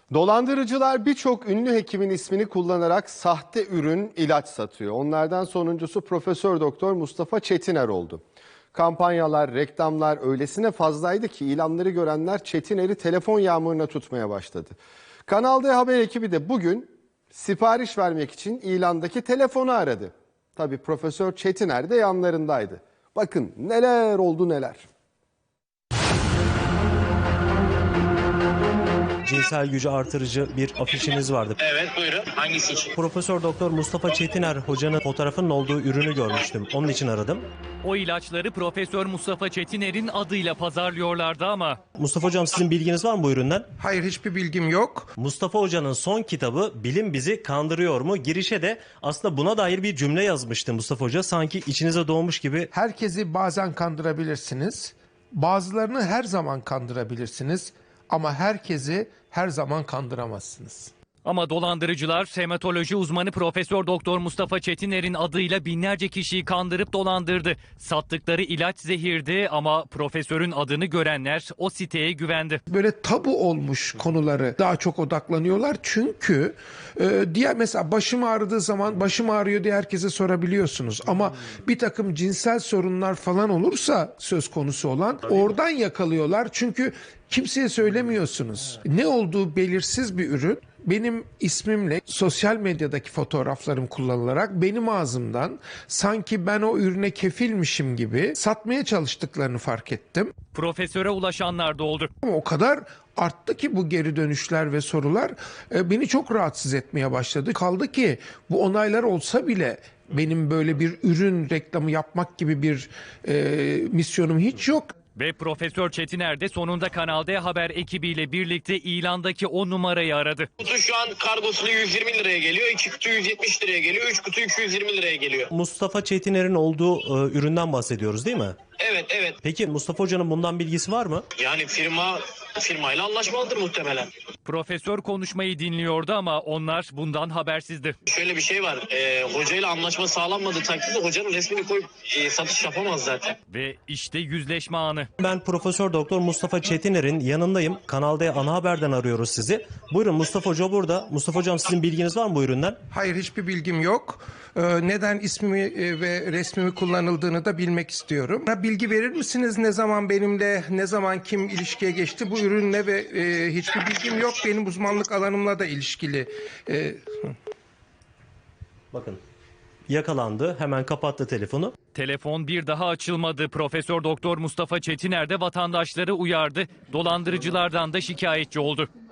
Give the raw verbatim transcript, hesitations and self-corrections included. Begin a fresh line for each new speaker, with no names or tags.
Dolandırıcılar birçok ünlü hekimin ismini kullanarak sahte ürün, ilaç satıyor. Onlardan sonuncusu Profesör Doktor Mustafa Çetiner oldu. Kampanyalar, reklamlar öylesine fazlaydı ki ilanları görenler Çetiner'i telefon yağmuruna tutmaya başladı. Kanal D Haber ekibi de bugün sipariş vermek için ilandaki telefonu aradı. Tabii Profesör Çetiner de yanlarındaydı. Bakın neler oldu neler.
Cinsel gücü artırıcı bir afişiniz vardı.
Evet, buyurun. Hangisi için?
Profesör Doktor Mustafa Çetiner hocanın fotoğrafının olduğu ürünü görmüştüm. Onun için aradım.
O ilaçları Profesör Mustafa Çetiner'in adıyla pazarlıyorlardı ama
Mustafa hocam, sizin bilginiz var mı bu üründen?
Hayır, hiçbir bilgim yok.
Mustafa hocanın son kitabı Bilim Bizi Kandırıyor mu? Girişe de aslında buna dair bir cümle yazmıştı Mustafa hoca. Sanki içinize doğmuş gibi.
Herkesi bazen kandırabilirsiniz. Bazılarını her zaman kandırabilirsiniz. Ama herkesi her zaman kandıramazsınız.
ama dolandırıcılar hematoloji uzmanı Profesör Doktor Mustafa Çetiner'in adıyla binlerce kişiyi kandırıp dolandırdı. Sattıkları ilaç zehirdi ama profesörün adını görenler o siteye güvendi.
Böyle tabu olmuş konuları daha çok odaklanıyorlar. Çünkü e, diğer mesela başım ağrıdığı zaman başım ağrıyor diye herkese sorabiliyorsunuz. Ama bir takım cinsel sorunlar falan olursa söz konusu olan oradan yakalıyorlar. Çünkü kimseye söylemiyorsunuz. Ne olduğu belirsiz bir ürün. Benim ismimle sosyal medyadaki fotoğraflarım kullanılarak benim ağzımdan sanki ben o ürüne kefilmişim gibi satmaya çalıştıklarını fark ettim.
Profesöre ulaşanlar da oldu.
Ama o kadar arttı ki bu geri dönüşler ve sorular e, beni çok rahatsız etmeye başladı. Kaldı ki bu onaylar olsa bile benim böyle bir ürün reklamı yapmak gibi bir e, misyonum hiç yok.
Ve Profesör Çetiner de sonunda Kanal D Haber ekibiyle birlikte ilandaki o numarayı aradı.
Kutu şu an kargosunu yüz yirmi liraya geliyor. iki kutu yüz yetmiş liraya geliyor. üç kutu iki yüz yirmi liraya geliyor.
Mustafa Çetiner'in olduğu e, üründen bahsediyoruz değil mi?
Evet, evet.
Peki Mustafa hocanın bundan bilgisi var mı?
Yani firma firmayla anlaşmalıdır muhtemelen.
Profesör konuşmayı dinliyordu ama onlar bundan habersizdi.
Şöyle bir şey var. E, hocayla anlaşma sağlanmadığı takdirde hocanın resmini koyup e, satış yapamaz zaten.
Ve işte yüzleşme anı.
Ben Profesör Doktor Mustafa Çetiner'in yanındayım. Kanal D Ana Haber'den arıyoruz sizi. Buyurun, Mustafa Hoca burada. Mustafa Hocam, sizin bilginiz var mı bu üründen?
Hayır, hiçbir bilgim yok. Ee, neden ismimi e, ve resmimi kullanıldığını da bilmek istiyorum. Bana bilgi verir misiniz? Ne zaman benimle, ne zaman kim ilişkiye geçti bu ürünle ve e, hiçbir bilgim yok. Benim uzmanlık alanımla da ilişkili. E,
Bakın, yakalandı. Hemen kapattı telefonu.
Telefon bir daha açılmadı. Profesör Doktor Mustafa Çetiner de vatandaşları uyardı. Dolandırıcılardan da şikayetçi oldu.